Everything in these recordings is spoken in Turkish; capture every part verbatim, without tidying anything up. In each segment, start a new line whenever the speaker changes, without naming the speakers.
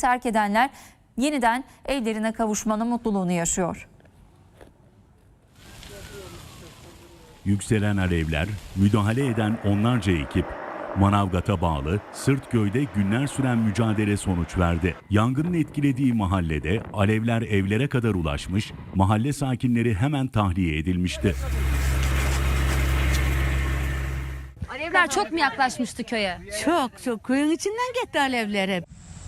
terk edenler yeniden evlerine kavuşmanın mutluluğunu yaşıyor.
Yükselen alevler, müdahale eden onlarca ekip, Manavgat'a bağlı Sırtköy'de günler süren mücadele sonuç verdi. Yangının etkilediği mahallede alevler evlere kadar ulaşmış, mahalle sakinleri hemen tahliye edilmişti.
Alevler çok mu yaklaşmıştı köye?
Çok çok köyün içinden gitti alevler hep.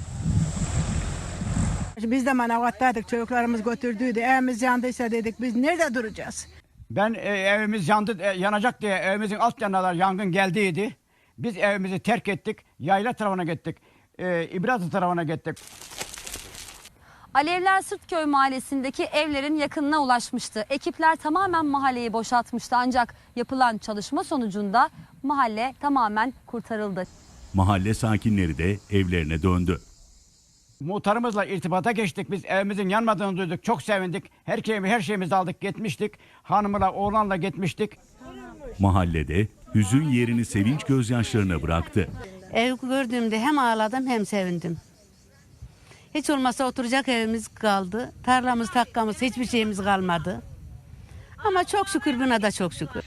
Biz de Manavgat'taydık, çocuklarımız götürdüydü. Evimiz yandıysa dedik biz nerede duracağız?
Ben e, evimiz yandı, e, yanacak diye evimizin alt yanına yangın geldiydi. Biz evimizi terk ettik, yayla tarafına gittik, e, İbrazlı tarafına gittik.
Alevler Sırtköy mahallesindeki evlerin yakınına ulaşmıştı. Ekipler tamamen mahalleyi boşaltmıştı ancak yapılan çalışma sonucunda mahalle tamamen kurtarıldı.
Mahalle sakinleri de evlerine döndü.
Muhtarımızla irtibata geçtik, biz evimizin yanmadığını duyduk, çok sevindik. Her şeyimi, her şeyimizi aldık, gitmiştik. Hanımla, oğlanla gitmiştik.
Mahallede hüzün yerini sevinç gözyaşlarına bıraktı.
Ev gördüğümde hem ağladım hem sevindim. Hiç olmazsa oturacak evimiz kaldı. Tarlamız, takkamız, hiçbir şeyimiz kalmadı. Ama çok şükür buna da çok şükür.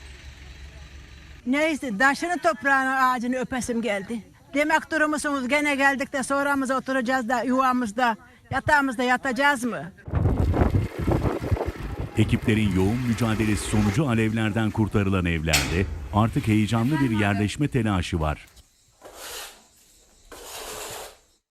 Neyse taşını toprağını ağacını öpesim geldi. Demek durumumuz gene geldik de sonramıza oturacağız da yuvamızda, yatağımızda yatacağız mı?
Ekiplerin yoğun mücadelesi sonucu alevlerden kurtarılan evlerde artık heyecanlı bir yerleşme telaşı var.